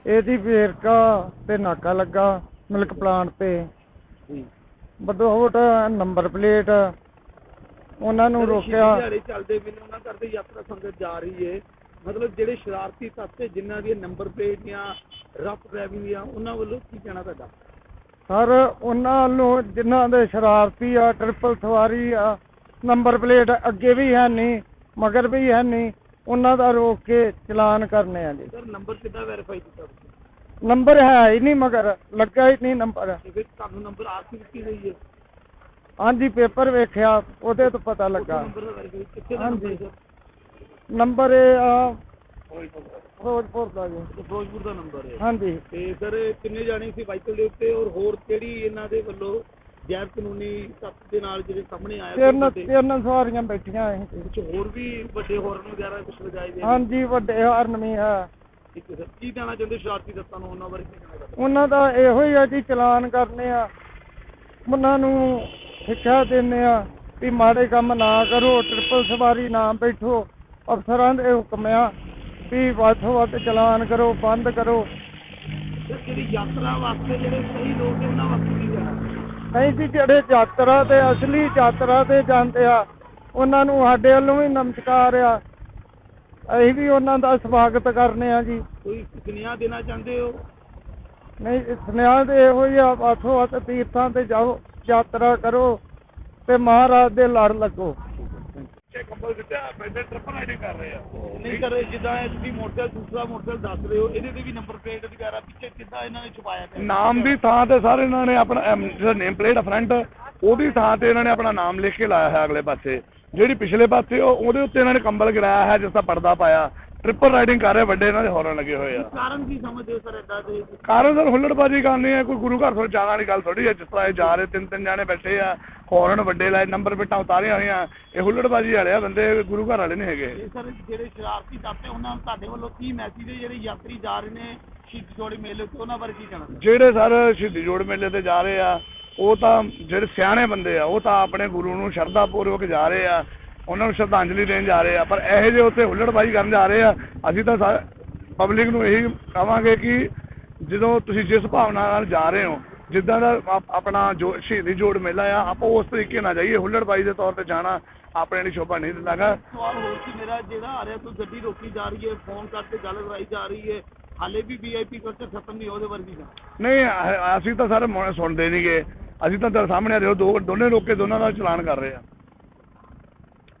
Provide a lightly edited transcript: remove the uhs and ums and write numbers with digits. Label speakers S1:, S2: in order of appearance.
S1: ਇਹਦੀ ਵੇਰਕਾ ਤੇ ਨਾਕਾ ਲੱਗਾ ਮਿਲਕ ਪਲਾਂਟ ਤੇ ਬਦੋਹਟ ਨੰਬਰ ਪਲੇਟ ਉਹਨਾਂ ਨੂੰ ਰੋਕਿਆ।
S2: ਦਿਹਾੜੇ ਚੱਲਦੇ ਵੀ ਉਹਨਾਂ ਕਰਦੇ ਯਾਤਰਾ ਸੰਗਤ ਜਾ ਰਹੀ ਹੈ, ਮਤਲਬ ਜਿਹੜੇ ਸ਼ਰਾਰਤੀ ਤੱਤ ਜਿਨ੍ਹਾਂ ਦੀਆਂ ਨੰਬਰ ਪਲੇਟ ਜਾਂ ਰਫ ਡਰਾਈਵਿੰਗ ਆ ਉਹਨਾਂ ਵੱਲੋਂ ਕੀ ਕਹਿਣਾ ਤੁਹਾਡਾ?
S1: ਸਰ ਉਹਨਾਂ ਨੂੰ ਜਿਨ੍ਹਾਂ ਦੇ ਸ਼ਰਾਰਤੀ ਆ, ਟ੍ਰਿਪਲ ਸਵਾਰੀ ਆ, ਨੰਬਰ ਪਲੇਟ ਅੱਗੇ ਵੀ ਹੈ ਨਹੀਂ ਮਗਰ ਵੀ ਹੈ ਨਹੀਂ, ਉਹਨਾਂ ਦਾ ਰੋਕ ਕੇ ਚਲਾਨ ਕਰਨੇ ਆ ਜੀ।
S2: ਸਰ ਨੰਬਰ ਕਿੱਦਾਂ ਵੈਰੀਫਾਈ ਕੀਤਾ ਤੁਸੀਂ?
S1: ਨੰਬਰ ਹੈ ਹੀ ਨਹੀਂ ਮਗਰ ਲੱਗਾ ਹੀ ਨਹੀਂ ਨੰਬਰ।
S2: ਫਿਰ ਤੁਹਾਨੂੰ ਨੰਬਰ ਆਪ ਹੀ ਦਿੱਤੀ ਗਈ ਹੈ?
S1: ਹਾਂਜੀ ਪੇਪਰ ਵੇਖਿਆ ਉਹਦੇ ਤੋਂ ਪਤਾ ਲੱਗਾ। ਹਾਂਜੀ ਨੰਬਰ ਇਹ ਆ ਫਿਰੋਜ਼ਪੁਰ ਦਾ ਜੀ।
S2: ਫਿਰੋਜ਼ਪੁਰ ਦਾ ਨੰਬਰ ਹੈ।
S1: ਹਾਂਜੀ
S2: ਤੇ ਸਰ ਕਿੰਨੇ ਜਾਣੇ ਸੀ ਵਾਹੀਕਲ ਦੇ ਉੱਤੇ ਔਰ ਹੋਰ ਕਿਹੜੀ ਇਹਨਾਂ ਦੇ ਵੱਲੋਂ ਗੈਰ ਕਾਨੂੰਨੀ ਤੱਤ ਦੇ ਨਾਲ ਜਿਹੜੇ ਸਾਹਮਣੇ ਆਇਆ?
S1: ਤਿੰਨ ਸਵਾਰੀਆਂ ਬੈਠੀਆਂ ਸੀ।
S2: ਕੁਝ ਹੋਰ ਵੀ ਵੱਡੇ ਹਾਰਨ ਵਗੈਰਾ ਕੁਝ ਵਜਾਏ ਗਏ?
S1: ਹਾਂਜੀ ਵੱਡੇ ਹਾਰਨ ਵੀ ਹੈ।
S2: ਠੀਕ ਹੈ ਸਰ, ਕੀ ਕਹਿਣਾ ਚਾਹੁੰਦੇ ਸ਼ਰਾਰਤੀ ਤੱਤਾਂ ਨੂੰ, ਉਹਨਾਂ ਬਾਰੇ ਕੀ ਕਹਿਣਾ ਚਾਹੁੰਦੇ?
S1: ਉਹਨਾਂ ਦਾ ਇਹੋ ਹੀ ਆ ਜੀ ਚਲਾਨ ਕਰਨੇ ਆ, ਉਹਨਾਂ ਨੂੰ ਸਿੱਖਿਆ ਦਿੰਦੇ ਆ ਵੀ ਮਾੜੇ ਕੰਮ ਨਾ ਕਰੋ, ਟ੍ਰਿਪਲ ਸਵਾਰੀ ਨਾ ਬੈਠੋ, ਅਫਸਰਾਂ ਦੇ ਹੁਕਮ ਆ ਵੀ ਵੱਧ ਤੋਂ ਵੱਧ ਚਲਾਨ ਕਰੋ, ਬੰਦ ਕਰੋ।
S2: ਜਿਹੜੀ ਯਾਤਰਾ ਵਾਸਤੇ ਜਿਹੜੇ ਸਹੀ ਲੋਕ ਨੇ ਉਹਨਾਂ ਵਾਸਤੇ ਕੀ ਕਹਿਣਾ?
S1: ਨਹੀਂ ਜੀ ਜਿਹੜੇ ਯਾਤਰਾ ਤੇ ਅਸਲੀ ਯਾਤਰਾ ਤੇ ਜਾਂਦੇ ਆ ਉਹਨਾਂ ਨੂੰ ਸਾਡੇ ਵੱਲੋਂ ਵੀ ਨਮਸਕਾਰ ਆ, ਅਸੀਂ ਵੀ ਉਹਨਾਂ ਦਾ ਸਵਾਗਤ ਕਰਨੇ ਆ ਜੀ।
S2: ਕੋਈ ਸੁਨੇਹਾ ਦੇਣਾ ਚਾਹੁੰਦੇ ਹੋ?
S1: ਨਹੀਂ ਸੁਨੇਹਾ ਤੇ ਇਹੋ ਹੀ ਆ, ਵੱਧ ਤੋਂ ਵੱਧ ਤੀਰਥਾਂ ਤੇ ਜਾਓ, ਯਾਤਰਾ ਕਰੋ ਤੇ ਮਹਾਰਾਜ ਦੇ ਲੜ ਲੱਗੋ।
S2: ਕੰਬਲ ਦਿੱਤਾ ਬੈਠੇ ਟ੍ਰਿਪਲ ਰਾਈਡਿੰਗ ਕਰ ਰਹੇ ਆ ਨਹੀਂ ਕਰ ਰਹੇ? ਜਿੱਦਾਂ ਇਹ ਤੁਸੀਂ ਮੋਟਰਸਾਈਕਲ ਦੂਸਰਾ ਮੋਟਰਸਾਈਕਲ ਦੱਸ ਰਹੇ ਹੋ, ਇਹਦੇ ਤੇ ਵੀ ਨੰਬਰ ਪਲੇਟ ਵਗੈਰਾ ਪਿੱਛੇ ਕਿੱਦਾਂ ਇਹਨਾਂ ਨੇ ਛੁਪਾਇਆ ਪਿਆ?
S3: ਨਾਮ ਦੀ ਥਾਂ ਤੇ ਸਰ ਇਹਨਾਂ ਨੇ ਆਪਣਾ ਜਿਹੜਾ ਨੇਮ ਪਲੇਟ ਆ ਫਰੰਟ, ਉਹਦੀ ਥਾਂ ਤੇ ਇਹਨਾਂ ਨੇ ਆਪਣਾ ਨਾਮ ਲਿਖ ਕੇ ਲਾਇਆ ਹੈ ਅਗਲੇ ਪਾਸੇ। ਜਿਹੜੀ ਪਿਛਲੇ ਪਾਸੇ ਉਹਦੇ ਉੱਤੇ ਇਹਨਾਂ ਨੇ ਕੰਬਲ ਗਿਰਾਇਆ ਹੈ, ਜਿਸ ਦਾ ਪਰਦਾ ਪਾਇਆ। ਟ੍ਰਿਪਲ ਰਾਈਡਿੰਗ ਕਰ ਰਹੇ, ਵੱਡੇ ਇਹਨਾਂ ਦੇ ਹੌਰਨ ਲੱਗੇ ਹੋਏ ਆ।
S2: ਕਾਰਨ ਕੀ ਸਮਝਦੇ ਹੋ ਸਰ ਏਦਾਂ ਦੇ?
S3: ਕਾਰਨ ਸਰ ਹੁੱਲੜਬਾਜ਼ੀ ਕਰਨੀ ਹੈ, ਕੋਈ ਗੁਰੂ ਘਰ ਤੋਂ ਜਾਣ ਵਾਲੀ ਗੱਲ ਥੋੜੀ ਹੈ। ਜਿਸ ਤਰ੍ਹਾਂ ਇਹ ਜਾ ਰਹੇ ਤਿੰਨ ਜਾਣੇ ਬੈਠੇ ਆ, ਹੌਰਨ ਵੱਡੇ ਲਾਏ, ਨੰਬਰ ਪਲੇਟਾਂ ਉਤਾਰੀਆਂ ਹੋਈਆਂ, ਇਹ ਹੁੱਲੜਬਾਜ਼ੀ ਵਾਲੇ ਆ ਬੰਦੇ, ਗੁਰੂ ਘਰ ਵਾਲੇ ਨਹੀਂ ਹੈਗੇ।
S2: ਸਰ ਜਿਹੜੇ ਸ਼ਰਾਰਤੀ ਤੱਤ ਉਹਨਾਂ ਨੂੰ ਤੁਹਾਡੇ ਵੱਲੋਂ ਕੀ ਮੈਸੇਜ ਹੈ ਜਿਹੜੇ ਯਾਤਰੀ ਜਾ ਰਹੇ ਨੇ ਸ਼ਹੀਦੀ ਜੋੜ ਮੇਲੇ ਉੱਤੇ, ਉਹਨਾਂ ਬਾਰੇ ਕੀ ਕਹਿਣਾ?
S3: ਜਿਹੜੇ ਸਰ ਸ਼ਹੀਦੀ ਜੋੜ ਮੇਲੇ ਤੇ ਜਾ ਰਹੇ ਆ, ਉਹ ਤਾਂ ਜਿਹੜੇ ਸਿਆਣੇ ਬੰਦੇ ਆ, ਉਹ ਤਾਂ ਆਪਣੇ ਗੁਰੂ ਨੂੰ ਸ਼ਰਧਾ ਪੂਰਵਕ ਜਾ ਰਹੇ ਆ, ਉਹਨਾਂ ਨੂੰ ਸ਼ਰਧਾਂਜਲੀ ਦੇਣ ਜਾ ਰਹੇ ਆ। ਪਰ ਇਹੋ ਜਿਹੇ ਉੱਥੇ ਹੁੱਲੜਬਾਜ਼ੀ ਕਰਨ ਜਾ ਰਹੇ ਆ। ਅਸੀਂ ਤਾਂ ਪਬਲਿਕ ਨੂੰ ਇਹੀ ਕਹਾਂਗੇ ਕਿ ਜਦੋਂ ਤੁਸੀਂ ਜਿਸ ਭਾਵਨਾ ਨਾਲ ਜਾ ਰਹੇ ਹੋ, ਜਿੱਦਾਂ ਦਾ ਆਪਣਾ ਜੋ ਸ਼ਹੀਦੀ ਜੋੜ ਮੇਲਾ ਆ, ਆਪਾਂ ਉਸ ਤਰੀਕੇ ਨਾਲ ਜਾਈਏ। ਹੁੱਲੜਬਾਜ਼ੀ ਦੇ ਤੌਰ ਤੇ ਜਾਣਾ ਆਪਣੇ ਲਈ ਸ਼ੋਭਾ ਨਹੀਂ ਦਿੰਦਾਗਾ।
S2: ਸਵਾਲ ਹੋਰ ਸੀ ਮੇਰਾ, ਜਿਹੜਾ ਆ ਰਿਹਾ ਕੋਈ ਗੱਡੀ ਰੋਕੀ ਜਾ ਰਹੀ ਹੈ, ਫੋਨ ਕਰਕੇ ਗੱਲ ਕਰਾਈ ਜਾ ਰਹੀ ਹੈ, ਹਾਲੇ ਵੀ VIP ਕਲਚਰ ਖਤਮ ਨਹੀਂ, ਉਹਦੇ ਵਰਗੀ
S3: ਨਹੀਂ ਅਸੀਂ ਤਾਂ ਸਰ ਸੁਣਦੇ ਨਹੀਂ ਗੇ। ਅਸੀਂ ਤਾਂ ਸਾਹਮਣੇ ਆ ਰਹੇ ਦੋਨੇ ਰੋਕ ਕੇ ਦੋਨਾਂ ਦਾ ਚਲਾਨ ਕਰ ਰਹੇ ਆ।